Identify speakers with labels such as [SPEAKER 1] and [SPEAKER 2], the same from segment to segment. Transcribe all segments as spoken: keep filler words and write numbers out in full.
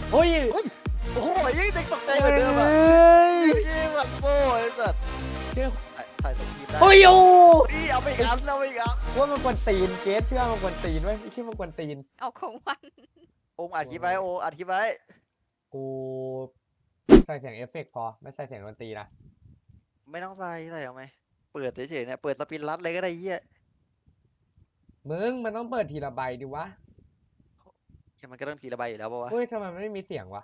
[SPEAKER 1] เฮ้ย
[SPEAKER 2] โอ้โหยิ่งเด็กตกใจเหมือนเดิมอ่ะยิ่งแบบโบ้ไอ้สัตว์ถ่ายสกีได้
[SPEAKER 1] เฮ้ยโอ้
[SPEAKER 2] ยเอาไปอีกอันเอาไปอีกอัน
[SPEAKER 1] ว่ามันกวนตีนเกสเชื่อมันกวนตีนไว้ไม่ใช่มันกวนตีน
[SPEAKER 3] เอาของมัน
[SPEAKER 2] โอมอัดคลิปไว้โออัดคลิปไว้
[SPEAKER 1] กูใส่เสียงเอฟเฟกต์พอไม่ใส่เสียงดนตรีนะ
[SPEAKER 2] ไม่ต้องใส่ใส่เอาไหมเปิดเฉยๆเนี่ยเปิดสปินรัดเลยก็ได้เหี้ย
[SPEAKER 1] มึงมันต้องเปิดทีละใบดิวะ
[SPEAKER 2] แค่มันก็ต้องทีละใบอยู่แล้วป่าวะ
[SPEAKER 1] เฮ้ยทำไมมันไม่มีเสียงวะ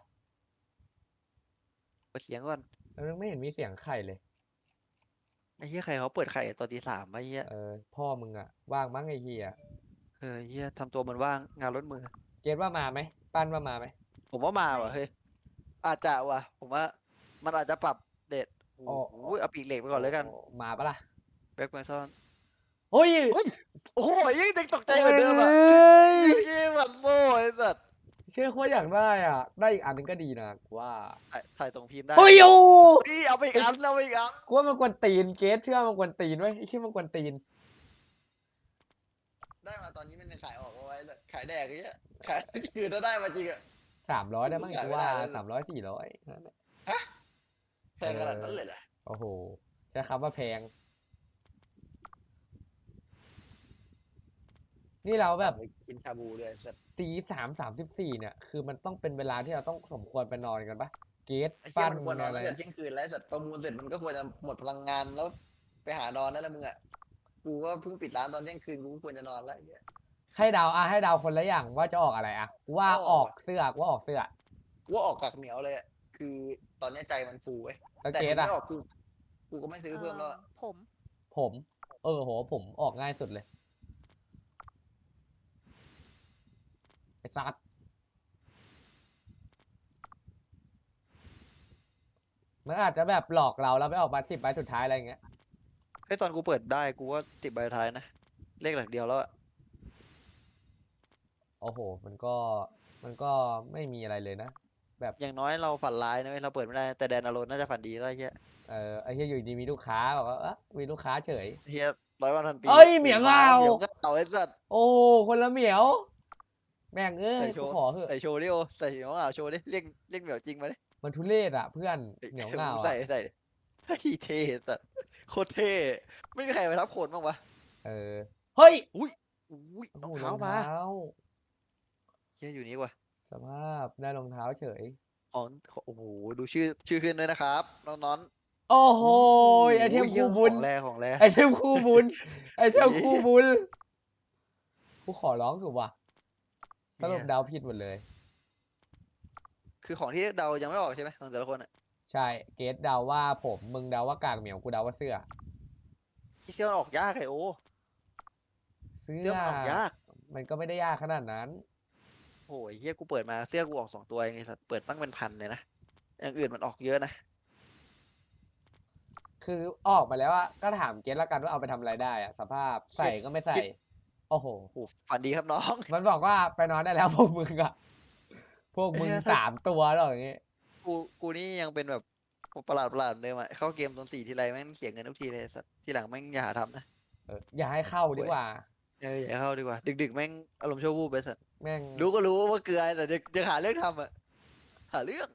[SPEAKER 2] เปิดเสียงก่อน
[SPEAKER 1] มันไม่เห็นมีเสียงไข่เลย
[SPEAKER 2] ไอ้เหี้ยใครเขาเปิดไข่ตอนตีสามไอ้เหี้ย
[SPEAKER 1] เออพ่อมึงอะว่างมั้งไอ้เหี้ย
[SPEAKER 2] เออเหี้ยทำตัวเหมือนว่างงานล้นมือ
[SPEAKER 1] เกสว่ามาไหมปั้นว่ามาไหม
[SPEAKER 2] ผมว่ามาว่ะเฮ้ยอาจจะว่ะผมว่ามันอาจจะปรับเดทโอ้โหเอาปีกเหล็กไปก่อนเลยกัน
[SPEAKER 1] มาปะล่ะ
[SPEAKER 2] แบ็คแมนซอน
[SPEAKER 1] เฮ้ย
[SPEAKER 2] โอ้โหยิ่งเด็กตกใจเหมือนเดิมอ่ะยิ่งแบบโบ้ไอ้สัตว์
[SPEAKER 1] เชื่อโคตรอยากได้อ่ะได้อีกอันนึงก็ดีนะกูว่า
[SPEAKER 2] ถ่ายส่งพิมพ์ได้
[SPEAKER 1] เฮ้ยโอ้
[SPEAKER 2] ยเอาไปอีกอันเอาไปอีกอัน
[SPEAKER 1] กูว่ามันกวนตีนเกสเชื่อมันกวนตีนไว้ไอ้เชื่อมันกวนตีน
[SPEAKER 2] ได้มาตอนนี้มันยังขายออกเอาไว้เลยขายแดกไอ้เงี้ยขายคือถ้าได้มาจริงอะ
[SPEAKER 1] สามร้อยได้มั้งกูว่าสามร้อยสี่ร้อยนั่นแหละ
[SPEAKER 2] แพงขนาดนั้นเลยเหรอ
[SPEAKER 1] โอ้โหใช้คำว่าแพงนี่เราแบบ
[SPEAKER 2] กินชาบูเลยสัตว์
[SPEAKER 1] ตีสามสามสิบสี่เนี่ยคือมันต้องเป็นเวลาที่เราต้องสมควรไปนอนกันปะเกส
[SPEAKER 2] ไอ้เชี่ย
[SPEAKER 1] ปั้น
[SPEAKER 2] มันควรนอน
[SPEAKER 1] อะไร
[SPEAKER 2] ตั้งแต่เที่ยงคืนแล้วสัตว์ประมูลเสร็จมันก็ควรจะหมดพลังงานแล้วไปหานอนนั่นแหละมึงอ่ะกูก็เพิ่งปิดร้านตอนเที่ยงคืนกูควรจะนอนแล้วไอ้เงี้ย
[SPEAKER 1] ให้เดาอ่ะให้เดาคนละอย่างว่าจะออกอะไรอ่ะว่าออกเสื้อว่าออกเสื้อ
[SPEAKER 2] กูว่าออกกากเหนียวเลยคือตอนนี้ใจมันฟูเว้ย
[SPEAKER 1] แต่เกสอ่ะ
[SPEAKER 2] ไม่ออกกูกูก็ไม่ซื้อเพิ่มแล้ว
[SPEAKER 3] ผม
[SPEAKER 1] ผมเออโหผมออกง่ายสุดเลยไอ้ซัดมันอาจจะแบบหลอกเราแล้วไปออกมาสิบใบสุดท้ายอะไรอย่างเงี้ย
[SPEAKER 2] ให้ตอนกูเปิดได้กูว่าติดใบท้ายนะเลขหลักเดียวแล้วอะ
[SPEAKER 1] โอ้โหมันก็มันก็ไม่มีอะไรเลยนะแบบ
[SPEAKER 2] อย่างน้อยเราฝันร้ายนะเราเปิดไม่ได้แต่แดนอารอนน่าจะฝันดีแล้วไอ้เหี้ย
[SPEAKER 1] เออไอ้เหี้ยอยู่ดีมีลูกค้าบอกว่าเออมีลูกค้าเฉย
[SPEAKER 2] เฮียร้อยวันพันปี
[SPEAKER 1] เอ้ยเหมียงเรา
[SPEAKER 2] เหมียงเราไอ้สัตว์
[SPEAKER 1] โอ้คนละเหมียวแม่งเอ้ยกูขอเถอะ
[SPEAKER 2] ใส่โชว์ดิโอใส่เหมียวอ่ะโชว์ดิเรียกเรียกเหมียวจริงมาดิ
[SPEAKER 1] มันทุเรศอ่ะเพื่อนเหนียวเงา
[SPEAKER 2] ใส่ใส่เฮ้ยเท่สัตว์โคตรเท่ไม่มีใครไปทับโคนบ้างวะ
[SPEAKER 1] เออเฮ้ย
[SPEAKER 2] อุ้ยอุ้ยรองเท้ามาเฮียอยู่นี่ว่ะ
[SPEAKER 1] สภาพได้รองเท้าเฉย
[SPEAKER 2] อ๋อโอ้โหดูชื่อชื่อขึ้นด้วยนะครับน้องน้อน
[SPEAKER 1] โอ้โหไอเทมคู่บุญ
[SPEAKER 2] ของแรของแร
[SPEAKER 1] ไอเทมคู่บุญไอเทมคู่บุญกูขอร้องถูกป่ะสรุปเดาผิดหมดเลย
[SPEAKER 2] คือของที่เดายังไม่ออกใช่ไหมของแต่ละคนอ่ะ
[SPEAKER 1] ใช่เกสเดาว่าผมมึงเดาว่ากางเหมียวกูเดาว่าเสื้อ
[SPEAKER 2] ที่เสื้อออกยากไอโอ
[SPEAKER 1] เสื้
[SPEAKER 2] อมันออกยาก
[SPEAKER 1] มันก็ไม่ได้ยากขนาดนั้น
[SPEAKER 2] โอ้ยเฮียกูเปิดมาเสื้อกูออกสองตัวเองไอ้สัตว์เปิดตั้งเป็นพันเลยนะอย่างอื่นมันออกเยอะนะ
[SPEAKER 1] คือออกมาแล้วอะก็ถามเกสละกันว่าเอาไปทำอะไรได้อะสภาพใส่ก็ไม่ใส่โอ้โห
[SPEAKER 2] ฝันดีครับน้อง
[SPEAKER 1] มันบอกว่าไปนอนได้แล้วพวกมึงอะพวกมึงสามตัวหรออย่างงี้
[SPEAKER 2] กูกูนี่ยังเป็นแบบประหลาดประหลาดเลยอ่ะเข้าเกมตอนสี่ทีไรแม่งเสียเงินทุกทีเลยสัตว์ทีหลังแม่งอย่าหาทำนะ
[SPEAKER 1] เอออย่าให้เข้าดีกว่า
[SPEAKER 2] เอออย่าเข้าดีกว่าดึกๆแม่งอารมณ์ชั่ววูบไปสัตว์
[SPEAKER 1] แม่ง
[SPEAKER 2] รู้ก็รู้ว่าเกลือแต่จะจะหาเรื่องทำอ่ะหาเรื่อง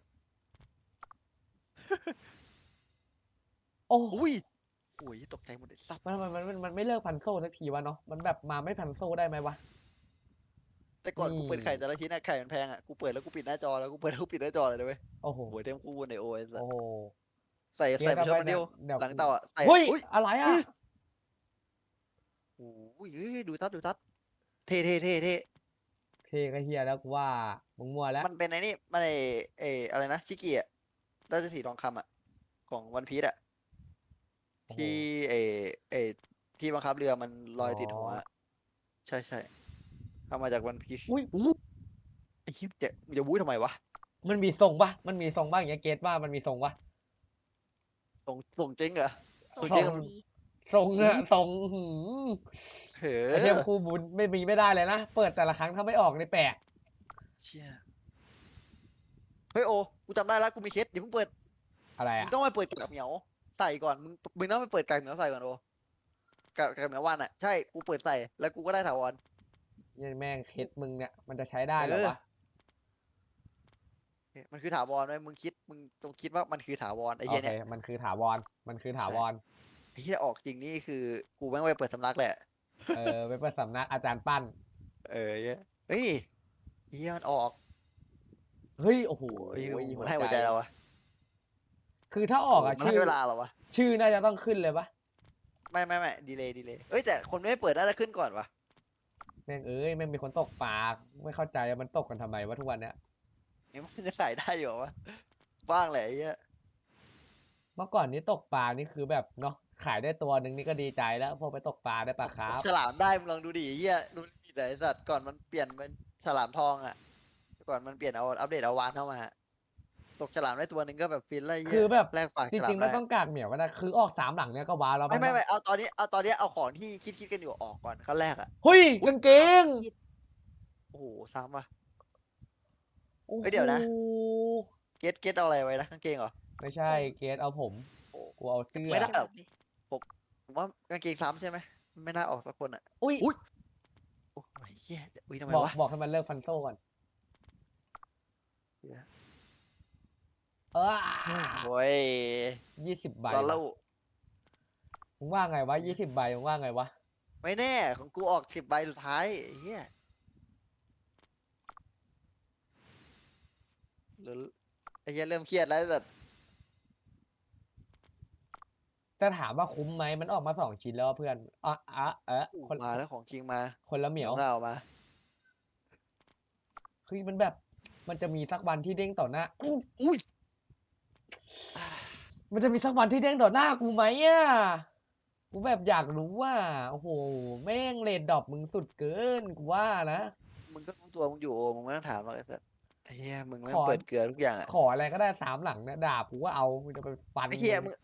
[SPEAKER 1] โอ้
[SPEAKER 2] อุ้ยอุ้ยตกใจหมดเลยสัตว์
[SPEAKER 1] มันมันมันมันไม่เลิกพันโซ่สักทีวะเนาะมันแบบมาไม่พันโซ่ได้ไหมวะ
[SPEAKER 2] แต่ก่อนกูเปิดไข่แต่ละชิ้นอะไข่มันแพงอะกูเปิดแล้วกูปิดหน้าจอแล้วกูเปิดแล้วกูปิดหน้าจอเลยเว้ย
[SPEAKER 1] โอ้โห
[SPEAKER 2] หัวเต็มคู่ในโอเอส
[SPEAKER 1] โอ้โห
[SPEAKER 2] ใส่ใส่ไปชอบมันเดียวหลังเต่าอะใส่
[SPEAKER 1] เฮ้ยอะไรอะ
[SPEAKER 2] โอ้ยดูทัดดูทัดเท่เท่เท่เท่
[SPEAKER 1] เท่ก็เฮียแล้วกูว่ามึงมัวแล้ว
[SPEAKER 2] มันเป็นไอ้นี่มันไอไออะไรนะชิกิอะราชสีทองคำอะของวันพีซอะที่ไอไอที่บังคับเรือมันลอยติดหัวใช่ใช่เอามาจากวันพีซ
[SPEAKER 1] อุ้ย
[SPEAKER 2] ไอ้เหี้ยจะจะวุ้ยทำไมวะ
[SPEAKER 1] มันมีทรงปะมันมีทรงบ้างอย่างเงี้ยเกตว่ามันมีทรงปะ
[SPEAKER 2] ส่งส่งจริงเหรอ
[SPEAKER 3] ส่ง
[SPEAKER 1] ทรงทรงอะทรง
[SPEAKER 2] เฮ้
[SPEAKER 1] ไอเทมคู่บุญไม่มีไม่ได้เลยนะเปิดแต่ละครั้งถ้าไม่ออกในแปลก
[SPEAKER 2] เชี่ยเฮ้ยโอกูจำได้แล้วกูมีเคสอย่าเพิ่งเปิด
[SPEAKER 1] อะไร
[SPEAKER 2] มึ
[SPEAKER 1] อะ
[SPEAKER 2] งต้องไปเปิดกากเหมียวใส่ก่อนมึงมึงต้องไปเปิดกากเหมียวใส่ก่อนโอกากกากเหมียววันอะใช่กูเปิดใส่แล้วกูก็ได้ถาวร
[SPEAKER 1] นี่แม่งเคสมึงเนี่ยมันจะใช้ได้หรอวะ
[SPEAKER 2] มันคือถาวรไหมมึงคิดมึงต้องคิดว่ามันคือถาวรไอ้
[SPEAKER 1] โอ
[SPEAKER 2] เหี้ย
[SPEAKER 1] เค
[SPEAKER 2] เนี่ย
[SPEAKER 1] มันคือถาวรมันคือถาวร
[SPEAKER 2] ไอ้เหี้ยออกจริงนี่คือกูแม่งไปเปิดสำนักแหละ
[SPEAKER 1] เออไปเปิดสำนักอาจารย์ปั้น
[SPEAKER 2] เออเหี้ยเฮ้ยไอ้เหี้ยมันออก
[SPEAKER 1] เฮ้ยโอ้โห
[SPEAKER 2] โอ้ย
[SPEAKER 1] หั
[SPEAKER 2] มั
[SPEAKER 1] วน
[SPEAKER 2] ให้หัว
[SPEAKER 1] ใจ
[SPEAKER 2] ใจเราอะ
[SPEAKER 1] คือถ้าออกอะ
[SPEAKER 2] มัน
[SPEAKER 1] ชื่
[SPEAKER 2] ให้
[SPEAKER 1] อ
[SPEAKER 2] เวลาเหรอวะ
[SPEAKER 1] ชื่อน่าจะต้องขึ้นเลยปะ
[SPEAKER 2] ไม่ไม่ไม่ดีเลยดีเลยเอ้ยแต่คนไม่เปิดน่าจะขึ้นก่อนวะ
[SPEAKER 1] แม่งเอ้ยแม่งมีคนตกปลาไม่เข้าใจว่ามันตกกันทำไมวะทุกวันเนี้ย
[SPEAKER 2] นี่มันจะขายได้อยู่เหรอวะบ้างแหละไอ้เหี้ย
[SPEAKER 1] เมื่อก่อนนี้ตกปลานี่คือแบบเนาะขายได้ตัวหนึ่งนี่ก็ดีใจแล้วพอไปตกปลาได้ปลาคาร์ฟ
[SPEAKER 2] ฉลามได้มึงลองดูดิไอ้เหี้ยดูดิไอ้สัตว์ก่อนมันเปลี่ยนเป็นฉลามทองอะก่อนมันเปลี่ยนเอาอัปเดตเอาวานเข้ามาตกฉลามได้ตัวหนึ่งก็แบบฟินเลยไเหี้ย
[SPEAKER 1] คือแบบ
[SPEAKER 2] แลกปาก
[SPEAKER 1] จ
[SPEAKER 2] ฉลา
[SPEAKER 1] ริ
[SPEAKER 2] ม
[SPEAKER 1] งๆไม่
[SPEAKER 2] ได้
[SPEAKER 1] ต้องกากเหนียวก็ได้คือออกสามหลังเนี้ยก็ว้าวแล้ว
[SPEAKER 2] ไม่ไม่
[SPEAKER 1] น
[SPEAKER 2] ไม่เอาตอนนี้เอาตอนนี้เอาของที่คิดคิดกันอยู่ออกก่อนขั้นแรกอะ
[SPEAKER 1] เฮ้ยกางเกง
[SPEAKER 2] โอ้โหซ้ำว่ะ
[SPEAKER 1] โอ้
[SPEAKER 2] เฮ้ยเดี๋ยวนะ
[SPEAKER 1] โห
[SPEAKER 2] เกตเกตเอาอะไรไว้นะกางเกงเหรอ
[SPEAKER 1] ไม่ใช่เกสเอาผม
[SPEAKER 2] โอ้
[SPEAKER 1] กูเอาเสื้อ
[SPEAKER 2] ไม่ได้หรอกผมว่ากางเกงซ้ำใช่ไหมไม่น่าออกสักคนอะ
[SPEAKER 1] อุ้ย
[SPEAKER 2] อุ๊ย โอ้ยเหี้ยอุ้ยทำไม
[SPEAKER 1] บอก
[SPEAKER 2] วะ
[SPEAKER 1] บอกให้มันเลิกฟันโซ่ก่อน
[SPEAKER 2] เหี้ย
[SPEAKER 1] เออ
[SPEAKER 2] โอ้ย
[SPEAKER 1] ยี่สิบใบ
[SPEAKER 2] ตอน
[SPEAKER 1] วะ
[SPEAKER 2] เล่า
[SPEAKER 1] มึงว่าไงวะยี่สิบใบมึงว่าไงวะ
[SPEAKER 2] ไม่แน่ของกูออกสิบใบสุดท้ายไอ้เฮียหรือไอ้เฮียเริ่มเครียดแล้วแต่
[SPEAKER 1] จะถามว่าคุ้มไหมมันออกมาสองชิ้นแล้วเพื่อนอ่ะอ่ะเอะคน
[SPEAKER 2] มาแล้วของจริงมา
[SPEAKER 1] คนละเหมียว
[SPEAKER 2] เงามา
[SPEAKER 1] คือมันแบบมันจะมีสักวันที่เด้งต่อหน้า
[SPEAKER 2] อุ้ย
[SPEAKER 1] มันจะมีสักวันที่เด้งต่อหน้ากูไหมอ่ะกูแบบอยากรู้ว่าโอ้โหแม่งเรดดรอปมึงสุดเกินกูว่านะ
[SPEAKER 2] มึงก็รู้ตัวมึงอยู่มึงไม่ต้องถามหรอกไอ้สัสไอ้เฮียมึงไม่
[SPEAKER 1] ขอ
[SPEAKER 2] เปิดเกลือทุกอย่างอะ
[SPEAKER 1] ขออะไรก็ได้สามหลังเนี่ยดาบกูก็เอากูจะไปฟัน
[SPEAKER 2] ไอ้เฮียมึง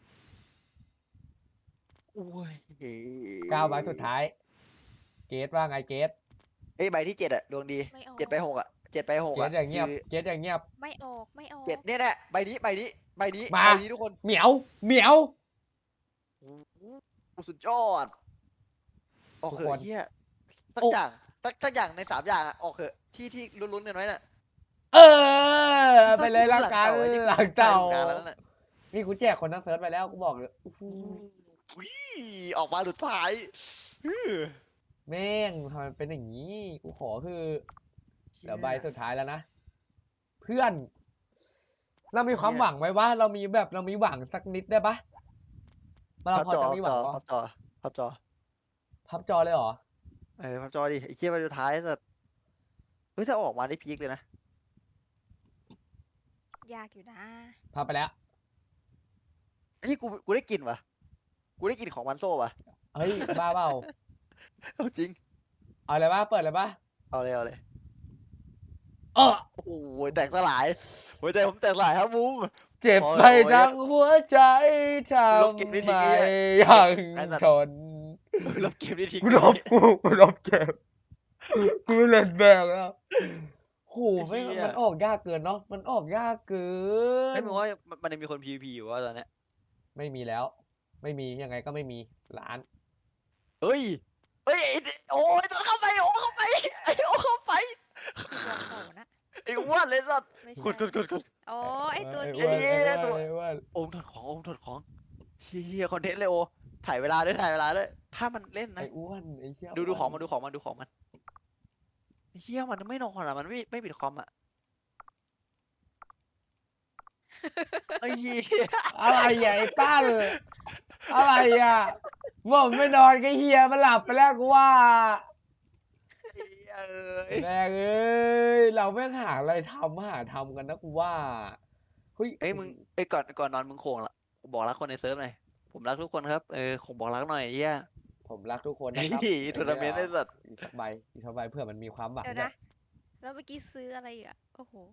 [SPEAKER 2] โอ้ย
[SPEAKER 1] เก้าใบสุดท้าย เกตว่าไงเกต
[SPEAKER 2] ไอ้ยใบที่เจ็ดอะดวงดี
[SPEAKER 3] ไม่ออก
[SPEAKER 2] เจ็ดไปหกอะเจ็ดไปหก
[SPEAKER 1] เก
[SPEAKER 2] อะ
[SPEAKER 1] ตอย่างเงียบ
[SPEAKER 2] คือ
[SPEAKER 1] เกตอย่างเงียบ
[SPEAKER 3] ไม่ออกไม่ออก
[SPEAKER 2] เจ็ดเนี่ยแหละใบนี้ใบนี้ใบนี้
[SPEAKER 1] มา
[SPEAKER 2] ใบนี้ทุกคน
[SPEAKER 1] เหมียวเหมียว
[SPEAKER 2] โอ้โหสุดยอดออก
[SPEAKER 1] ทุก
[SPEAKER 2] เถ
[SPEAKER 1] ค
[SPEAKER 2] อะ
[SPEAKER 1] น
[SPEAKER 2] เฮียสัก
[SPEAKER 1] โอ้
[SPEAKER 2] อย่างสักสักอย่างในสามอย่างอะออกเถอะที่ที่ลุ้นๆกันไว้น่ะ
[SPEAKER 1] เออไปเลยละกัน
[SPEAKER 2] ไอ้ที่
[SPEAKER 1] หลังเต่า
[SPEAKER 2] ใช่ถูกงานแล้วนั่นน่ะ
[SPEAKER 1] นี่กูแจกคนทั้งเซิร์ชไปแล้วกูบอกเลยอู้หู
[SPEAKER 2] อุ้ยออกมาสุดท้ายอื้อ
[SPEAKER 1] แม่งทำไมเป็นอย่างนี้ กูขอคือเดี๋ยวใบสุดท้ายแล้วนะ เพื่อน เรามีความหวังไหมวะเรามีแบบเรามีหวังสักนิดได้ปะเรา
[SPEAKER 2] พับ
[SPEAKER 1] พอ
[SPEAKER 2] จอ
[SPEAKER 1] จะมีหวัง
[SPEAKER 2] พั
[SPEAKER 1] ปะ
[SPEAKER 2] บจอพับจอ
[SPEAKER 1] พับจอเลยเหรอ
[SPEAKER 2] เออพับจอดิไอ้เชี่ยใบสุดท้ายแต่เฮ้ยถ้าออกมาได้พีคเลยนะ
[SPEAKER 3] ยากอยู่นะ
[SPEAKER 1] พับไปแล้ว
[SPEAKER 2] ไอ้นี่กูกูได้กลิ่นวะกูได้กลิ่นของมันโซ่วะ
[SPEAKER 1] เฮ้ย บ้าเปล่า
[SPEAKER 2] เอาจริง
[SPEAKER 1] เอาเลยปะเปิดเลยปะ
[SPEAKER 2] เอาเลยเอาเลย
[SPEAKER 1] เออ
[SPEAKER 2] โอ้โหแตกสลายหัวใจผมแตกสลายครับมุ้ง
[SPEAKER 1] เจ็บ
[SPEAKER 2] โอ้ย
[SPEAKER 1] ไปทั้งหัวใจท
[SPEAKER 2] ลบเก็บ
[SPEAKER 1] ำ
[SPEAKER 2] ไม่
[SPEAKER 1] ไม
[SPEAKER 2] ทิ้งไอ้
[SPEAKER 1] ยัง
[SPEAKER 2] ไอ้สัตว์
[SPEAKER 1] ทน
[SPEAKER 2] ลบเกมนี้ทิ้ง
[SPEAKER 1] กูลบกูกูลบเก็บกูไม่เล่นแบกแล้วโหไม่งมันออกยากเกินเนาะมันออกยากเกิ
[SPEAKER 2] ไม่
[SPEAKER 1] น
[SPEAKER 2] มึงว่ามันมันยังมีคน พี วี พี อยู่วะตอนเนี้ย
[SPEAKER 1] ไม่มีแล้ว ไม่มียังไงก็ไม่มีร้าน
[SPEAKER 2] เฮ้ยเฮ้ยไอ้โอ้ยโดนเข้าไปโอ้เข้าไปไอ้โอ้เข้าไป
[SPEAKER 3] ยอมโตนะ
[SPEAKER 2] ไอ้อ้วนเลยสัตว์
[SPEAKER 3] ไม่
[SPEAKER 2] กดกดกดกด
[SPEAKER 3] โอ้ไอตัว
[SPEAKER 1] ไอ้
[SPEAKER 3] นี้
[SPEAKER 1] อ้วน
[SPEAKER 2] เอ้ย
[SPEAKER 1] ไอ้
[SPEAKER 2] ตัว
[SPEAKER 1] อ้วนไอ้อ้วน
[SPEAKER 2] โอมถอดของโอมถอดของเฮียคอนเทนต์เลยโอถ่ายเวลาด้วยถ่ายเวลาด้วยถ้ามันเล่นนะ
[SPEAKER 1] ไอ้อ้วนไอ้เชี่ย
[SPEAKER 2] ดูดู
[SPEAKER 1] อ้วน
[SPEAKER 2] ของมันดูของมันดูของมันเฮียมันไม่นอนอ่ะมันไม่ไม่ปิดคอมอ่ะไอ้เหี้ย
[SPEAKER 1] อะไรอ่ะไอ้ป้าเลยอะไรอ่ะผมไม่นอนก็เฮียมันหลับไปแล้วกูว่า
[SPEAKER 2] ไอ้เหี้ยเอ้ย
[SPEAKER 1] แม่งเอ้ยเราไม่งหาอะไรทำหาทำกันนะกูว่าเฮ้ย
[SPEAKER 2] เอ้ยมึงเอ้ยก่อนก่อนนอนมึงโขงละบอกรักคนในเซิร์ฟหน่อยผมรักทุกคนครับเออคงบอกรักหน่อยไอ้เฮีย
[SPEAKER 1] ผมรักทุกคน
[SPEAKER 2] ไอ้
[SPEAKER 1] นะครับ
[SPEAKER 2] ทัวร์นาเมนต์ไอ้สัตว์
[SPEAKER 1] อีกสักใบอีกสักใบเพื่อมันมีความหวัง
[SPEAKER 3] เดี๋ยว
[SPEAKER 1] ด้ว
[SPEAKER 3] นะ
[SPEAKER 1] ย
[SPEAKER 3] แล้วเมื่อกี้ซื้ออะไรอีกอ่ะโอ้โห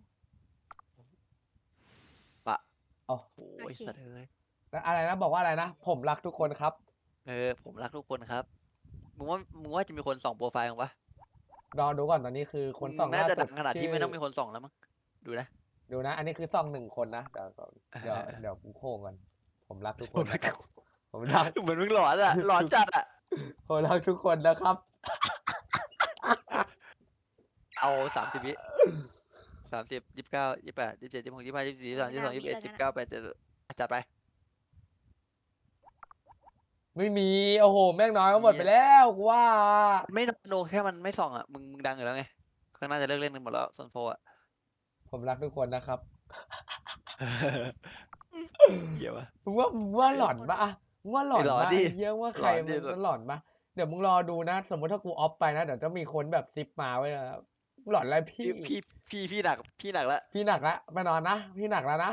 [SPEAKER 1] อ๋อ
[SPEAKER 2] โอ้
[SPEAKER 3] โอย เค
[SPEAKER 2] สัตว์เอ้ย
[SPEAKER 1] แล้วอะไรนะบอกว่าอะไรนะผมรักทุกคนครับ
[SPEAKER 2] เออผมรักทุกคนครับมึงว่ามึงว่าจะมีคนส่องโปรไฟล์มึงปะ
[SPEAKER 1] รอดูก่อนตอนนี้คือคนส่อง
[SPEAKER 2] น่า
[SPEAKER 1] ล่า
[SPEAKER 2] จะ
[SPEAKER 1] สุ
[SPEAKER 2] ดั
[SPEAKER 1] ด
[SPEAKER 2] งขนาดที่ไม่
[SPEAKER 1] ชื่
[SPEAKER 2] ต้องมีคนส่องแล้วมั้งดูนะ
[SPEAKER 1] ดูนะ อันนี้คือส่องหนึ่งคนนะเดี๋ยวก่อนเดี๋ยว
[SPEAKER 2] เออ
[SPEAKER 1] เดี๋ยวกูโค้งก่อนผมรักทุกค
[SPEAKER 2] ผม
[SPEAKER 1] น
[SPEAKER 2] รั
[SPEAKER 1] นะ
[SPEAKER 2] ก
[SPEAKER 1] ครับผมรัก
[SPEAKER 2] เหมือนมึงหลอนอะหลอนจัดอะ
[SPEAKER 1] ผมรักทุกคนนะครับ
[SPEAKER 2] เอาสามสิบวิสามสิบยี่สิบเก้ายี่สิบแปดยี่สิบเจ็ดยี่สิบหกยี่สิบห้ายี่สิบสี่ยี่สิบสามยี่สิบสองยี่สิบเอ็ดยี่สิบเก้าแปดเจ็ดจัดไป
[SPEAKER 1] ไม่มีโอ้โหแม่งน้อยก็หมดไปแล้วกูว่า
[SPEAKER 2] ไม่โนแค่มันไม่ส่องอ่ะมึงมึงดังอยู่แล้วไงข้างหน้าจะเลิกเล่นกันหมดแล้วโซนโฟอ่ะ
[SPEAKER 1] ผมรักทุกคนนะครับ
[SPEAKER 2] เหี้ยวะ
[SPEAKER 1] มึงว่ามึงว่าหลอนปะอะมึงว่าหลอน
[SPEAKER 2] ไม่หลอน
[SPEAKER 1] ปะ
[SPEAKER 2] ดิ
[SPEAKER 1] ไอ้เหี้ยว่าใคร
[SPEAKER 2] หลอนดิ
[SPEAKER 1] มันจะหลอนปะเดี๋ยวมึงรอดูนะ สมมติถ้ากูออฟไปนะเดี๋ยวจะมีคนแบบซิปมาไว้อะหลอนอะไรพี่
[SPEAKER 2] พี่พี่พี่พี่หนักพี่หนักแล้ว
[SPEAKER 1] พี่หนักละไปนอนนะพี่หนักแล้วนะ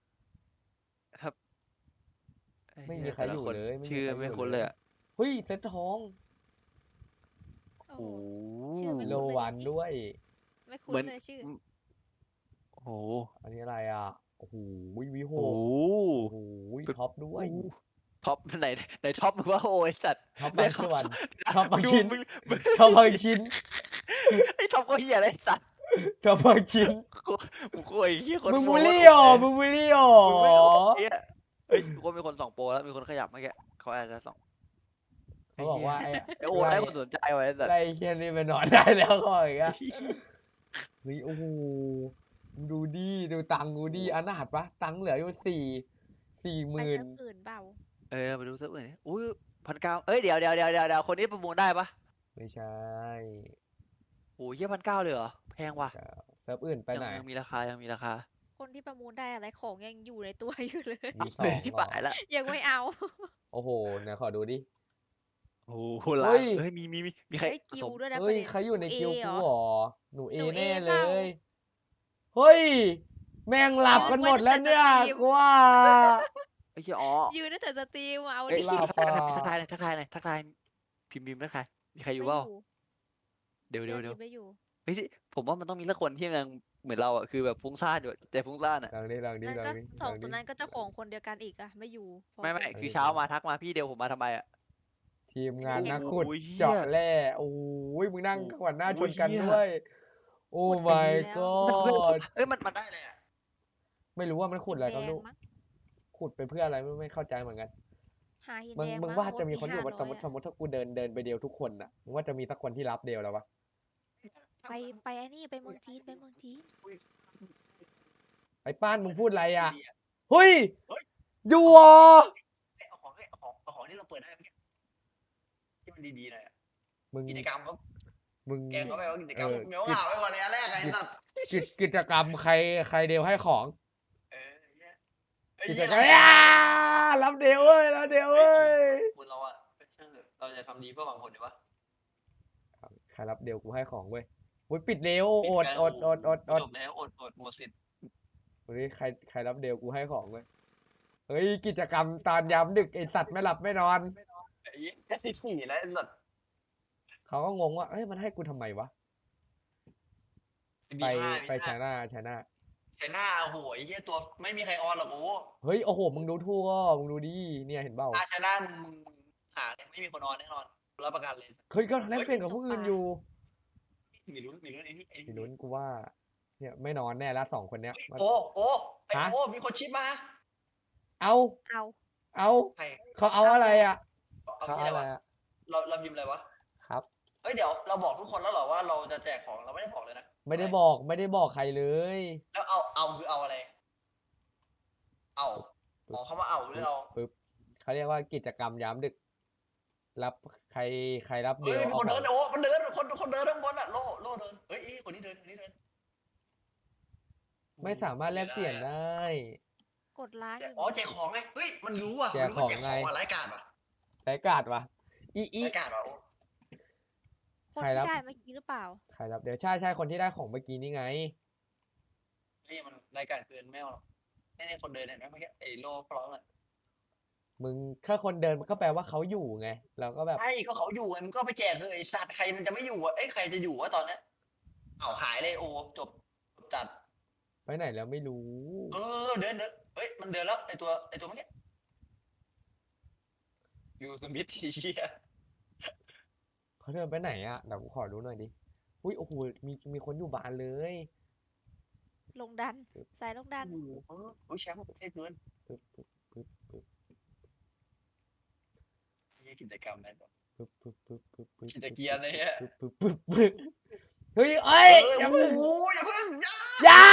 [SPEAKER 1] ไม่มีใคร
[SPEAKER 2] แต่ละ
[SPEAKER 1] อยู่
[SPEAKER 2] น
[SPEAKER 1] เลยไม่มี
[SPEAKER 2] ชื่อ
[SPEAKER 1] ใครอยู่
[SPEAKER 2] ไม่คุ้น
[SPEAKER 1] เล
[SPEAKER 2] เลย ยอ่ะ
[SPEAKER 1] เฮ้ยเซ็ตทอง
[SPEAKER 3] โอ้
[SPEAKER 2] โอ้
[SPEAKER 3] โห
[SPEAKER 2] โห
[SPEAKER 3] ชื่อไม่
[SPEAKER 1] โล
[SPEAKER 3] คุ้นเลย
[SPEAKER 1] วันด้วย
[SPEAKER 3] ไม่คุ้
[SPEAKER 2] เหมือน
[SPEAKER 3] นเลยชื่อ
[SPEAKER 2] โอ้โห
[SPEAKER 1] อันนี้อะไรอ่ะโอ้โหวิโห
[SPEAKER 2] โอ้โห
[SPEAKER 1] โอ้โหท็อปด้วย
[SPEAKER 2] ท็อปไหนไหนท็อปมึงว่าโอ้ยสัตว์
[SPEAKER 1] ท็อป
[SPEAKER 2] ได้
[SPEAKER 1] บาง
[SPEAKER 2] ครับ
[SPEAKER 1] ส่วน ท็อปบาง
[SPEAKER 2] ดู
[SPEAKER 1] ชิ้น
[SPEAKER 2] มึงมึง
[SPEAKER 1] ท็อปบางชิ้น
[SPEAKER 2] ไอ้ท็อปก็เหี้ยอะไรสัตว์
[SPEAKER 1] ท็อปบางชิ้น
[SPEAKER 2] กูกูกูไอ้เหี้ยคน
[SPEAKER 1] มึง
[SPEAKER 2] โม้
[SPEAKER 1] บูลลี่
[SPEAKER 2] ว่า
[SPEAKER 1] อ๋อ
[SPEAKER 2] โอ้ย
[SPEAKER 1] มึงบูลลี่อ๋อ
[SPEAKER 2] มึงไม่รู้ไอ้เหี้ยเฮ้ยกูมีคนส่องโปรแล้วมีคนขยับเมื่อกี้เขาอาจจะส่อง
[SPEAKER 1] เขาบอกว่าไอ้
[SPEAKER 2] ไอ้โอ้ได้คนสนใจไว้แต่
[SPEAKER 1] ไอ้เฮียนี่ไปนอนได้แล้วก็อย่างเงี้ยเฮ้ยโอ้โหมึงดูดิดูตังค์กูดิอนาถปะตังค์เหลืออยู่สี่สี่ห
[SPEAKER 3] ไป
[SPEAKER 1] มื่น
[SPEAKER 3] เซิร์ฟอื่นเปล่า
[SPEAKER 2] เออไปดูเซิร์ฟอื่นดิอุ้ยพันเก้าเอ้ยเดี๋ยวเดี๋ยวเดี๋ยวเดี๋ยวเดี๋ยวคนนี้ประมูลได้ปะ
[SPEAKER 1] ไม่ใช่
[SPEAKER 2] โอ้ยเหี้ยพันเก้าเลยเหรอแพงว่ะ
[SPEAKER 1] เซิร์ฟอื่นไป
[SPEAKER 2] ยัง
[SPEAKER 1] ไหน
[SPEAKER 2] ยังมีราคายังมีราคา
[SPEAKER 3] คนที่ประมูลได้อะไรของยังอยู่ในตัวอยู่เลย
[SPEAKER 1] มีสอ
[SPEAKER 2] เฮ้ย
[SPEAKER 1] ง
[SPEAKER 2] ที่
[SPEAKER 1] เหรอ
[SPEAKER 2] ป่ายละ
[SPEAKER 3] ยังไม่เอา
[SPEAKER 1] โอ้โหไหนขอดูดิ
[SPEAKER 2] โอ้โหล้า
[SPEAKER 1] เฮ้
[SPEAKER 2] น
[SPEAKER 1] ย
[SPEAKER 2] เฮ้ยมีมีมีมีใคร
[SPEAKER 3] เฮ้ย
[SPEAKER 2] ผ
[SPEAKER 3] กิ
[SPEAKER 2] ส
[SPEAKER 3] ล
[SPEAKER 2] ม
[SPEAKER 3] ด้วยนะ
[SPEAKER 1] เฮ้ย
[SPEAKER 3] ประด็น
[SPEAKER 1] ใครอยู่ใน
[SPEAKER 3] ห
[SPEAKER 1] คิว
[SPEAKER 3] เอ
[SPEAKER 1] กู
[SPEAKER 3] เหรอ
[SPEAKER 1] หรอหนูเอ
[SPEAKER 3] หนู
[SPEAKER 1] แน่
[SPEAKER 3] เอ
[SPEAKER 1] เล
[SPEAKER 3] เปล่า
[SPEAKER 1] ย เฮ้ย แม่งหลับกันหมดแล้วเนี่ยกูว่า
[SPEAKER 2] ไอ้เหี้ยอ๋อ
[SPEAKER 3] ยืนตั้งแต่สตรีมอะเอา
[SPEAKER 2] เอ้ย
[SPEAKER 3] ดิ
[SPEAKER 1] หลับ
[SPEAKER 2] ทักทาย
[SPEAKER 1] อ่ะ
[SPEAKER 2] ทักทายหน่อยทักทายหน่อยทักทายพิมพ์พิมพ์ทักทายมีใครอยู่
[SPEAKER 3] ไม่
[SPEAKER 2] เปล่า
[SPEAKER 3] อยู่
[SPEAKER 2] เดี๋ยวเดี๋ยวเดี๋ยว
[SPEAKER 3] ไม่อยู่
[SPEAKER 2] เฮ้ยผมว่ามันต้องมีสักคนที่ยังเหมือนเราอ่ะคือแบบฟุ้งซ่านอยู่แต่ฟุ้งซ่านอ่ะ
[SPEAKER 1] ลองดิลองดิ
[SPEAKER 3] นั่น
[SPEAKER 1] ลอ
[SPEAKER 3] ก็
[SPEAKER 1] งดิ
[SPEAKER 3] สอง
[SPEAKER 1] ล
[SPEAKER 3] ตัว
[SPEAKER 1] ดิ
[SPEAKER 3] นั้นก็เจ้าของคนเดียวกันอีกอะไม่อยู่พร้อ
[SPEAKER 2] ไม่ไม่
[SPEAKER 3] กัน
[SPEAKER 2] คือเช้ามาทักมาพี่เดียวผมมาทำไมอ่ะ
[SPEAKER 1] ทีมงาน
[SPEAKER 2] โอ้โห
[SPEAKER 1] นักขุด
[SPEAKER 2] เหี้ย
[SPEAKER 1] เจาะแร่โอ้ยมึงนั่ง
[SPEAKER 2] โอ้
[SPEAKER 1] ขวัญหน้า
[SPEAKER 2] โห
[SPEAKER 1] ชนกัน
[SPEAKER 2] เหี้ย
[SPEAKER 1] ด้วย โอ้ my
[SPEAKER 2] มัน
[SPEAKER 1] god
[SPEAKER 2] เอ้ยมันมันได้เลยอ่ะ
[SPEAKER 1] ไม่รู้ว่ามันขุดอะไรก็
[SPEAKER 3] หิน
[SPEAKER 1] ไม่รู้
[SPEAKER 3] แดงมั้ง
[SPEAKER 1] ขุดไปเพื่ออะไรไม่ไม่เข้าใจเหมือนกัน
[SPEAKER 3] หาหิน
[SPEAKER 1] มึง
[SPEAKER 3] แดง
[SPEAKER 1] มึง
[SPEAKER 3] มั้
[SPEAKER 1] ว่า
[SPEAKER 3] โ
[SPEAKER 1] จะมีคนอยู่
[SPEAKER 3] ที่
[SPEAKER 1] สมมติ
[SPEAKER 3] ห้า
[SPEAKER 1] สมมติถ้ากูเดินเดินไปเดียวทุกคนน่ะมึงว่าจะมีสักคนที่รับเดียวแล้ววะ
[SPEAKER 3] ร้อยอะไปไปไอ้นี่ไปเมืองจีนไปเมืองจีน
[SPEAKER 1] ไอ้ป้านมึงพูดอะไรอ่ะ
[SPEAKER 2] ดีอะ
[SPEAKER 1] เฮ้ย
[SPEAKER 2] เฮ้ย
[SPEAKER 1] อยู่เหรอ
[SPEAKER 2] เอาของเอาของเอาของที่เราเปิดได้เมื่อกี้ที่มันดีๆหน่อยอะ
[SPEAKER 1] มึง
[SPEAKER 2] กิจกรรมก็
[SPEAKER 1] มึง
[SPEAKER 2] แกงก็ไปว่ากิจกรรม
[SPEAKER 1] เออ
[SPEAKER 2] เหมียวเหงาไปก่อนเลยอันแรกไอ้สัตว์
[SPEAKER 1] กิจกิจกรรมใครใครเดียวให้ของ
[SPEAKER 2] เออเนี่ยไอ้
[SPEAKER 1] กิจ
[SPEAKER 2] เหี้ย
[SPEAKER 1] กรรมอ่ารับเดียวเว้ยรับเดียวเว้ย
[SPEAKER 2] คุณเราอะเป็นช่างเถอะเราจะทำดีเพื่อหวังผลดีวะ
[SPEAKER 1] ใครรับเดียวกูให้ของเว้ยอุ้ยปิดเร็วอด
[SPEAKER 2] ปิ
[SPEAKER 1] อดอดอดอด
[SPEAKER 2] จบแล้วอดอดหมดสิทธิ์
[SPEAKER 1] เฮ้ยใครใครรับเดียวกูให้ของเว้ยเฮ้ยกิจกรรมตอนยามดึกไอสัตว์ไม่หลับไม่นอน
[SPEAKER 2] ไอ้เหี้ยไอ้ที่นะไอ้สัตว์
[SPEAKER 1] เขาก็งงว่าเฮ้ยมันให้กูทำไมวะ ไปไปชนะชนะ
[SPEAKER 2] ใช้หน้าโอ้โหไอ้เหี้ยตัวไม่มีใครออนหรอกโอ้
[SPEAKER 1] เฮ้ยโอ้โหมึงดูทั่วมึงดูดิเนี่ยเห็นเปล่า
[SPEAKER 2] ถ้าใช้หน้ามึงมึงหาเนี่ยไม่มีคนออนแน่นอนรับประกันเลย
[SPEAKER 1] เฮ้ยก็แลกเปลี่ยนกับผู้อื่นอยู่
[SPEAKER 2] มีลุ้นมีลุ้นไอ้นี่ไอ้
[SPEAKER 1] มีลุ้นกูว่า เนี่ยไม่นอนแน่ละสองคนเนี้ยมัน
[SPEAKER 2] โอ้โอ้ไอ้
[SPEAKER 1] ฮะ
[SPEAKER 2] โอ้มีคนชิปมา
[SPEAKER 1] เอา
[SPEAKER 3] เอา
[SPEAKER 1] เอา
[SPEAKER 2] ใคร
[SPEAKER 1] เขาเอาอะไรอ่ะ
[SPEAKER 2] เอา
[SPEAKER 1] เขา
[SPEAKER 2] ที่
[SPEAKER 1] เอา
[SPEAKER 2] อะไร
[SPEAKER 1] อะไร
[SPEAKER 2] วะ
[SPEAKER 1] อ่ะ
[SPEAKER 2] เราเราพิมพ์อะไรวะ
[SPEAKER 1] ครับ
[SPEAKER 2] เฮ้ยเดี๋ยวเราบอกทุกคนแล้วเหรอว่าเราจะแจกของเราไม่ได้บอกเลยนะ
[SPEAKER 1] ไม่ได้บอกไม่ได้บอกใครเลย
[SPEAKER 2] แล้วเอาเอาคือเอาอะไร เอาอ๋อเขามาเอาหรือเรา
[SPEAKER 1] ปึ๊บเขาเรียกว่ากิจกรรมยามดึก รับใครใครรับเดี
[SPEAKER 2] เฮ้
[SPEAKER 1] ย
[SPEAKER 2] ยว มีคน
[SPEAKER 1] อา
[SPEAKER 2] เดิน
[SPEAKER 1] ของ
[SPEAKER 2] โอ้มันเดินคนคนเดินข้างบนอะโล่โล่เดินเฮ้ยคนนี้เดินคนนี้เดิน
[SPEAKER 1] ไม่สามารถแลกเปลี่ยนได้
[SPEAKER 3] กดล้าง
[SPEAKER 2] แจ
[SPEAKER 3] อก ยู่
[SPEAKER 2] อ๋อแจกของไงเฮ้ยมันรู้อ่ะ
[SPEAKER 1] แจก
[SPEAKER 2] มันรู้ว่าแจก
[SPEAKER 1] ของ
[SPEAKER 2] ข
[SPEAKER 1] ไง
[SPEAKER 2] องอะไรายการป่ะ
[SPEAKER 1] ไร้กาดวะอีอี
[SPEAKER 2] รายการป่ะโอ้
[SPEAKER 3] คน
[SPEAKER 1] ใคร
[SPEAKER 3] ที่
[SPEAKER 1] รับ
[SPEAKER 3] ได้เมื่อกี้หรือเปล่า
[SPEAKER 1] ใครรับเดี๋ยวใช่ใช่คนที่ได้ของเมื่อกี้นี่ไง
[SPEAKER 2] นี่มันรายการเกินไม่เอาหรอกนี่นี่คนเดินเห็นไหมเมื่อกี้ไอ้โล่ฟลองอะ
[SPEAKER 1] มึงถ้าคนเดินมันก็แปลว่าเขาอยู่ไงเราก็แบบ
[SPEAKER 2] ใช่ก็เขาอยู่ไงมันก็ไปแจกคือไอ้สัตว์ใครมันจะไม่อยู่อ่ะเอ้ยใครจะอยู่วะตอนเนี้ยเอาหายเลยโอ้จบจัด
[SPEAKER 1] ไปไหนแล้วไม่รู้
[SPEAKER 2] เออเดินเดินเฮ้ยมันเดินแล้วไอ้ตัวไอ้ตัวเมื่อกี้ยูสมิธทีเชีย
[SPEAKER 1] เขาเดินไปไหนอ่ะเดี๋ยวกูขอดูหน่อยดิอุ้ยโอ้โหมีมีคนอยู่บ้านเลย
[SPEAKER 3] ลงดันสายลงดัน
[SPEAKER 2] โอ้โหโอ้ยแชมป์ประเทศเกิน
[SPEAKER 1] ปึ๊บปึ๊บปึ๊บปึ๊บ
[SPEAKER 2] นี่กิจกรรมอะไรแบบ
[SPEAKER 1] ปึ๊บปึ๊บปึ๊บปึ๊บปึ๊บ
[SPEAKER 2] กิจเกียร์เลยอะ
[SPEAKER 1] ปึ๊บปึ๊บปึ๊บปึ๊บเฮ้ยเอ้ย
[SPEAKER 2] เออ
[SPEAKER 1] อย่า
[SPEAKER 2] โอ้
[SPEAKER 1] เพิ่ง
[SPEAKER 2] โหอย่าเพิ่งอย่า
[SPEAKER 1] อย่า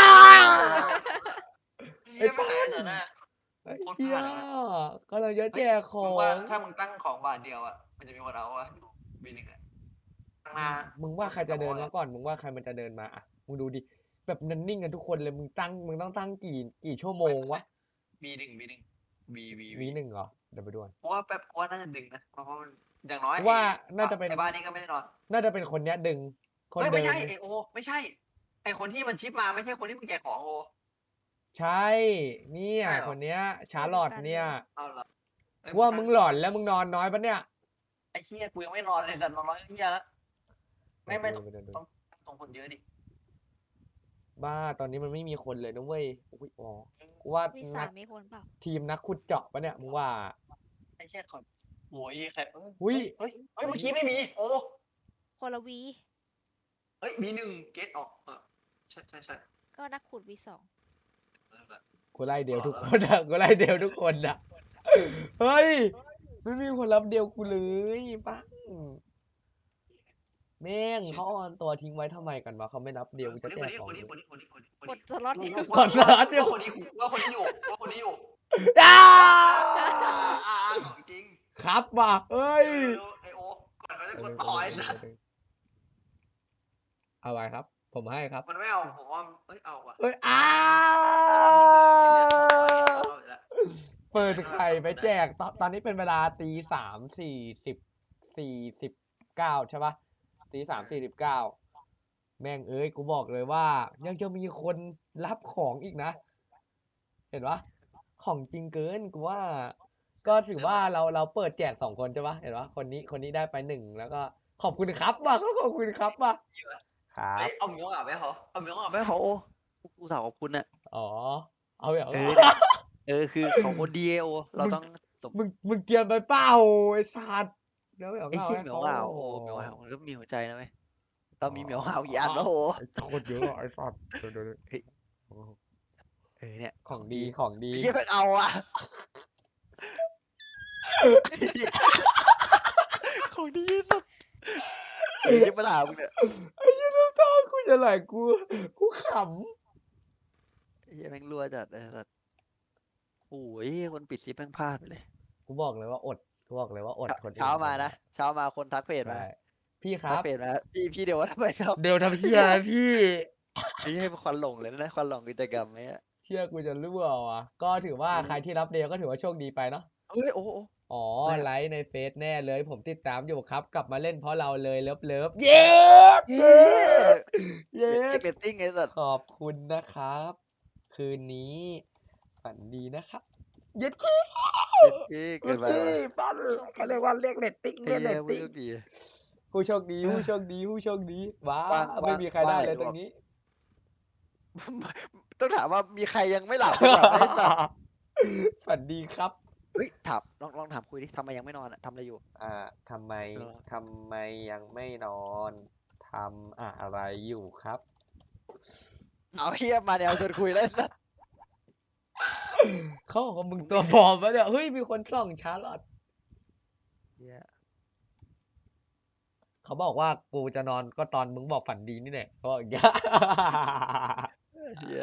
[SPEAKER 2] เหี้ยไม่หายต่อหน้า
[SPEAKER 1] ไอ้
[SPEAKER 2] โคตร
[SPEAKER 1] เหี้ย
[SPEAKER 2] พลาดเลย
[SPEAKER 1] กำลังจะแจกขอ
[SPEAKER 2] มึงว่าง ถ้ามึงตั้งของบาทเดียวอ่ะมันจะมีคนเอาวะบีหนึ่งอ่ะมา
[SPEAKER 1] มึงว่าใครจะเดินมาก่อน มึงว่าใครมันจะเดินมาอ่ะ มึงดูดิ แบบนันนิ่งกันทุกคนเลย มึงตั้ง มึงต้องตั้งกี่ กี่ชั่วโมงวะ
[SPEAKER 2] บีหนึ่งบีหนึ่งบีบี
[SPEAKER 1] วีหนึ่งเหรอ เดี๋ยวไปดูก่อน
[SPEAKER 2] เพราะว่าแป๊บเพราะว่าน่าจะดึงนะเพราะว่ามันอย่างน้อย
[SPEAKER 1] ว่า
[SPEAKER 2] ไอ้
[SPEAKER 1] น่าจะเป็น
[SPEAKER 2] ไอ้บ้านนี้ก็ไม่ได้นอน
[SPEAKER 1] น่าจะเป็นคนเนี้ยดึง คน
[SPEAKER 2] เฮ้ย
[SPEAKER 1] เดิ
[SPEAKER 2] ไม่
[SPEAKER 1] น
[SPEAKER 2] ใช่ไอโอไม่ใช่ไอคนที่มันชิปมาไม่ใช่คนที่มึงแจกของโอ
[SPEAKER 1] ใช่ เนี่ย
[SPEAKER 2] ใช่เหรอ
[SPEAKER 1] คนเนี้ย ชาร์ลอตเนี่ย
[SPEAKER 2] เอาเหรอเอ้ย
[SPEAKER 1] ว่ามึงหลอน
[SPEAKER 2] ตั้
[SPEAKER 1] แล้วมึงนอนน้อยปะเนี่ย
[SPEAKER 2] ไอ้เหี้ยกูยังไม่นอนเลยแต่นอนน้อยเหี้ยแล้วไม่ไม่ต้อง
[SPEAKER 1] เดี๋ยวดู
[SPEAKER 2] ต้องตรงคนเยอะดิ
[SPEAKER 1] บ้า ตอนนี้มันไม่มีคนเลยนะเว้ยอุ๊ยอ๋อกูว่า
[SPEAKER 3] วี
[SPEAKER 1] นั
[SPEAKER 3] สาก มมีคนเปล่า
[SPEAKER 1] ทีมนักขุดเจาะปะเนี่ย มึงว่า
[SPEAKER 2] ไอ้เหี้ยคนโอ้ยใครเอ้ย
[SPEAKER 1] อุ๊ย
[SPEAKER 2] เฮ้ยเฮ้ยเมื่อกี้ไม่มีโอ้
[SPEAKER 3] คนละวี
[SPEAKER 2] เฮ้ยบีหนึ่งเกตออกเออใช่ใช่ใช่
[SPEAKER 3] ก็นักขุดวีสอง
[SPEAKER 2] นั่นแหละ
[SPEAKER 1] กูไล่เดียวทุกคนอะกูไล่เดียวทุกคนอะเฮ้ย ไม่มีคนรับเดียวกูเลยปังแม่งเขาเอาตัวทิ้งไว้ทำไมกันวะเขาไม่รับเดียวกู
[SPEAKER 2] ค
[SPEAKER 1] จะ
[SPEAKER 2] น
[SPEAKER 1] แจ
[SPEAKER 2] นี้
[SPEAKER 1] ก
[SPEAKER 2] ค
[SPEAKER 1] ของ
[SPEAKER 2] นนี้
[SPEAKER 1] เลย
[SPEAKER 2] คนนี้คนนี้คนนี้คน
[SPEAKER 3] ก
[SPEAKER 2] นี้
[SPEAKER 3] ดสล็อตเนี่ย
[SPEAKER 1] กดสล็อตอยู่
[SPEAKER 2] ว่าคนนี้ว่าคนนี้อยู่ว่าคนนี้อยู่
[SPEAKER 1] อ้า
[SPEAKER 2] อ่าอ่าของจริง
[SPEAKER 1] ครับว่ะเฮ้ย
[SPEAKER 2] เร็วๆไอโอกดมันจะกดต่อไอ้สัส
[SPEAKER 1] เอาไว้ครับ ผมให้ครับ
[SPEAKER 2] มันไม่เอาผมว่าเอ้ยเอาว่ะ
[SPEAKER 1] เฮ้ยอ้า
[SPEAKER 2] เอาอีกแล้ว
[SPEAKER 1] เปิดไข่ไปแจกตอนตอนนี้เป็นเวลาตีสามสี่สิบสี่สิบเก้าใช่ปะตีสามสี่สิบเก้าแม่งเอ้ยกูบอกเลยว่า ยังจะมีคนรับของอีกนะ เห็นปะของจริงเกินกูว่า ก็ถือว่าเราเราเปิดแจกสองคนใช่ปะเห็นปะคนนี้คนนี้ได้ไปหนึ่งแล้วก็ขอบคุณครับว่ะเขาขอบคุณครับว่ะครับ
[SPEAKER 2] เฮ้ยเอาหมีอ่ะไหมเขาเอาหมีอ่ะไหมเขาโอ้กูสาวขอบคุณน่ะ
[SPEAKER 1] อ๋อ เอาแบบ
[SPEAKER 2] เออ เออคือของคนดีโอเราต้องสม
[SPEAKER 1] มึงมึงเกรียนไปเปล่าไอ้สัตว์เดี๋ยวไม่เอา
[SPEAKER 2] ไอ้
[SPEAKER 1] เงา
[SPEAKER 2] ขี้
[SPEAKER 1] ให้
[SPEAKER 2] เหมียว
[SPEAKER 1] เขา
[SPEAKER 2] ห่าวโอ้เหมียวห่าวมันก็มีหัวใจนะไหมเรามีเหมียวห่าวกี่อันแล้วโอ้
[SPEAKER 1] ไอ้โคตรเยอะอะไอ้สัตว์เดี๋ยวเดี๋ยวเดี๋ยว
[SPEAKER 2] เฮ้ย เออเนี่ย
[SPEAKER 1] ของดีของดี
[SPEAKER 2] ไอ้เหี้ยเพิ่งเอาอ่ะของดีสุดไอ้เหี้ยปัญหามึงเนี่ย
[SPEAKER 1] ไอ้เหี้ยน้ำตากูจะไหลกูกูข
[SPEAKER 2] ไอ้เหี้ยแม่งรั่วจัดเลยสัสโอ้ยคนปิดซิปแม่งพลาดไปเลย
[SPEAKER 1] ำกูบอกเลยว่าอดกูบอกเลยว่าอดคนอื่น
[SPEAKER 2] เช้ามานะเช้ามาคนทักเพจมา
[SPEAKER 1] ใช่พี่ค
[SPEAKER 2] ทั
[SPEAKER 1] รั
[SPEAKER 2] ก
[SPEAKER 1] บ
[SPEAKER 2] เพจมาพี่พี่เดี๋ยวว่าทำไมครับ
[SPEAKER 1] เดี๋ยวทำเพี้ยอะไรพี่
[SPEAKER 2] นี่ให้ควันหลงเลยนะควันหลงกิจกรรมไหมอะ
[SPEAKER 1] เชื่อกูจะรั่วว่ะก็ถือว่าใครที่รับเดียวก็ถือว่าโชคดีไปเนาะ
[SPEAKER 2] เฮ้ยโอ้โห
[SPEAKER 1] อ๋อ
[SPEAKER 2] อะไรอะ
[SPEAKER 1] ไลฟ์ในเฟซแน่เลย ผมติดตามอยู่ครับ กลับมาเล่นเพราะเราเลยเลิฟเลิฟเย้
[SPEAKER 2] เย้
[SPEAKER 1] เย้
[SPEAKER 2] เช็คเรตติ้งไอ้สัส
[SPEAKER 1] ขอบคุณนะครับ คืนนี้ฝันดีนะครับเย็ดขี้
[SPEAKER 2] เย้
[SPEAKER 1] เย็
[SPEAKER 2] เกิ
[SPEAKER 1] ด
[SPEAKER 2] นไป
[SPEAKER 1] ขี้
[SPEAKER 2] ว่ะ
[SPEAKER 1] ปั้นเขาเรียกว่าเรียกเรตติ้ง
[SPEAKER 2] ไอ้
[SPEAKER 1] เรียกเร
[SPEAKER 2] เหี้ย
[SPEAKER 1] ต
[SPEAKER 2] ผู้
[SPEAKER 1] ติ้ง
[SPEAKER 2] โชคดี
[SPEAKER 1] ผู้โชคดีผู้โชคดีผู้โชคดีว้า
[SPEAKER 2] ว่าง
[SPEAKER 1] ไม่
[SPEAKER 2] ว่าง
[SPEAKER 1] มีใครได้
[SPEAKER 2] ว่าง
[SPEAKER 1] เลย
[SPEAKER 2] ไหน
[SPEAKER 1] ตร
[SPEAKER 2] บอก
[SPEAKER 1] งนี้
[SPEAKER 2] ต้องถามว่ามีใครยังไม่หลับหรือเปล่าไอ้สัส
[SPEAKER 1] ฝันดีครับ
[SPEAKER 2] เฮ้ยถามลองลองถามคุยดิทำไมยังไม่นอนอะทำอะไรอยู่
[SPEAKER 1] อ่าทำไม
[SPEAKER 2] เออ
[SPEAKER 1] ทำไมยังไม่นอนทำอะไรอยู่ครับ
[SPEAKER 2] เอาเฮียมาแนวชวนคุยแล้วไอ้สัส
[SPEAKER 1] เขาบอกว่ามึงตัวฟอร์มวะเนี่ยเฮ้ยมีคนส่องชาร์ลอต
[SPEAKER 2] เหี้ย
[SPEAKER 1] เขาบอกว่ากูจะนอนก็ตอนมึงบอกฝันดีนี่แหละเขาบอกอย่างเงี้ย
[SPEAKER 2] เฮีย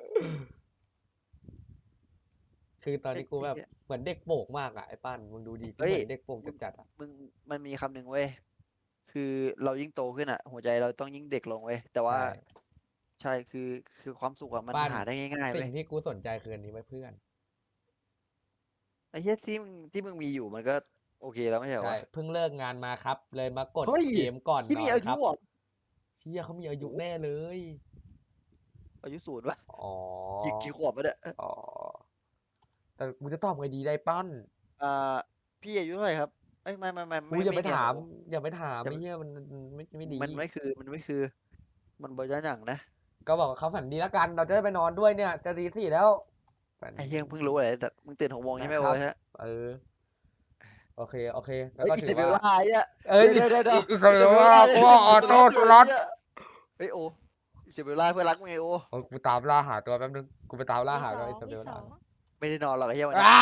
[SPEAKER 1] คือตอนนี้กูแบบ
[SPEAKER 2] ไอ้เหี้ย
[SPEAKER 1] เหมือนเด็กโป่งมากอ่ะไอ้ปั้นมึงดูดีกู
[SPEAKER 2] เฮ้ย
[SPEAKER 1] เหมือนเด็กโป่งจัดๆอ่ะ
[SPEAKER 2] มึงมันมีคำหนึ่งเว้ยคือเรายิ่งโตขึ้นอะหัวใจเราต้องยิ่งเด็กลงเว้ยแต่ว่า
[SPEAKER 1] ใช่
[SPEAKER 2] ใช่คือคือความสุขอะมัน
[SPEAKER 1] ปั้น
[SPEAKER 2] หาได้ง่ายๆ
[SPEAKER 1] สิ่
[SPEAKER 2] เว้ย
[SPEAKER 1] งที่กูสนใจคืออันนี้ไว้เพื่อน
[SPEAKER 2] ไอ้เฮียที่มึงที่มึงมีอยู่มันก็โอเคแล้วไม่ใช่เหรอ
[SPEAKER 1] ใช่
[SPEAKER 2] วะ
[SPEAKER 1] เพิ่งเลิกงานมาครับ เลยมากด
[SPEAKER 2] เฮ้ย
[SPEAKER 1] เกมก่อน
[SPEAKER 2] ที่
[SPEAKER 1] น
[SPEAKER 2] มี
[SPEAKER 1] อน
[SPEAKER 2] อา
[SPEAKER 1] ค
[SPEAKER 2] ยุ
[SPEAKER 1] รับ
[SPEAKER 2] เหรอ
[SPEAKER 1] เชี่ยเขามีอายุแน่เลย
[SPEAKER 2] อายุศูนย์วะ
[SPEAKER 1] อ๋อ
[SPEAKER 2] กี่กี่ขวบวะเนี่ย
[SPEAKER 1] อ๋อแต่กูจะตอบไงดีได้ปั้น
[SPEAKER 2] อ่าพี่อายุเท่าไหร่ครับเอ้ยไม่ไม่ไม่
[SPEAKER 1] กูอย่าไป
[SPEAKER 2] เนีน
[SPEAKER 1] ถาม
[SPEAKER 2] โอ้
[SPEAKER 1] อย่าไปถาม
[SPEAKER 2] อย่า
[SPEAKER 1] ไอ้เหี้ยมันมันไม่ไม่ดี
[SPEAKER 2] มันไม่คือมันไม่คือ มันบริจาคหนังนะ
[SPEAKER 1] ก็บอกว่าเขาฝันดีแล้วกัน เราจะได้ไปนอนด้วยเนี่ย จะตีสี่แล้วฝัน
[SPEAKER 2] ไอ้
[SPEAKER 1] ดี
[SPEAKER 2] เฮียเพิ่งรู้อะไรแต่มึงตื่นหกโมงใช่ไหม
[SPEAKER 1] นะค
[SPEAKER 2] โอ้
[SPEAKER 1] รับ
[SPEAKER 2] ยฮะ
[SPEAKER 1] เออ โอเค โอเค แล้ว
[SPEAKER 2] เฮ้ย
[SPEAKER 1] ก็
[SPEAKER 2] อิ
[SPEAKER 1] ถื
[SPEAKER 2] ส
[SPEAKER 1] อ
[SPEAKER 2] เบล
[SPEAKER 1] ว่า
[SPEAKER 2] ล่าไอ้เหี้ย
[SPEAKER 1] เอ้ย
[SPEAKER 2] เดี๋ยวเดี๋ยวเดี๋ยว
[SPEAKER 1] อิสเบลล่ากูว่าออโต้สล็อต
[SPEAKER 2] เฮ้ยโออิสเบลล่าเพื่อนรักมึงไงโอ
[SPEAKER 1] โอ้ยกูตามล่าหาตัวแป๊บนึง กูไปตามล่า
[SPEAKER 3] วี
[SPEAKER 1] หา
[SPEAKER 3] ส
[SPEAKER 1] ตัว
[SPEAKER 3] อง
[SPEAKER 1] อิสเบ
[SPEAKER 3] วี
[SPEAKER 1] ล
[SPEAKER 3] ส
[SPEAKER 1] ล่า
[SPEAKER 3] อง
[SPEAKER 2] ไม่ได้นอนหรอกไอ้เหี้ยวันนี้
[SPEAKER 1] อ้า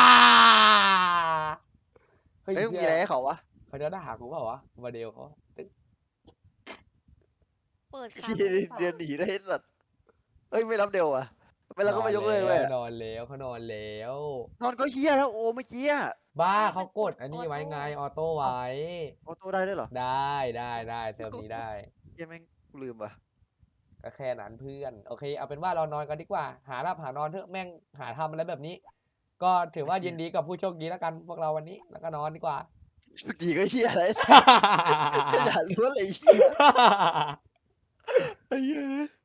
[SPEAKER 1] เฮ้ย
[SPEAKER 2] เฮ้ยมึงมี
[SPEAKER 1] เหี้
[SPEAKER 2] อะไร
[SPEAKER 1] ย
[SPEAKER 2] ให้เขาวะ
[SPEAKER 1] เขาจะด่ากูเปล่าวะมาเดลเขาตึ๊ง
[SPEAKER 3] เปิดค้าง
[SPEAKER 2] พี่
[SPEAKER 3] วีสอง
[SPEAKER 2] เรียนหนีได้ไอ้สัตว์เอ้ยไม่รับเดวอ่ะไม่รับก็ไม่ยกเลิกเลยอะ
[SPEAKER 1] นอนแล้วเขานอนแล้ว
[SPEAKER 2] นอนก็เฮียแล้วโอ้เมื่อกี้อะ
[SPEAKER 1] บ้า
[SPEAKER 3] ไม่
[SPEAKER 1] เขา
[SPEAKER 3] มัน
[SPEAKER 1] ก
[SPEAKER 3] ก
[SPEAKER 1] ด
[SPEAKER 3] ด
[SPEAKER 1] อันนี้
[SPEAKER 3] ออ
[SPEAKER 1] ไว้
[SPEAKER 3] โต้
[SPEAKER 1] ไงออโต้ไว้
[SPEAKER 2] ออโต้ได้ด้วยเหรอ
[SPEAKER 1] ได้ได้ได้เติมนี้ได้
[SPEAKER 2] เฮียแม่งกูลืมว่ะ
[SPEAKER 1] ก็แค่นั้นเพื่อน โอเค เอาเป็นว่าเรานอนกันดีกว่า หาหลับหานอนเถอะแม่งหาทำอะไรแบบนี้ ก็ถือว่ายินดีกับผู้โชคดีแล้วกันพวกเราวันนี้แล้วก็นอนดีกว่า
[SPEAKER 2] โชคดีก็เฮียอะไร ขนาดรู้อะไรเฮียไอ้เหี้ย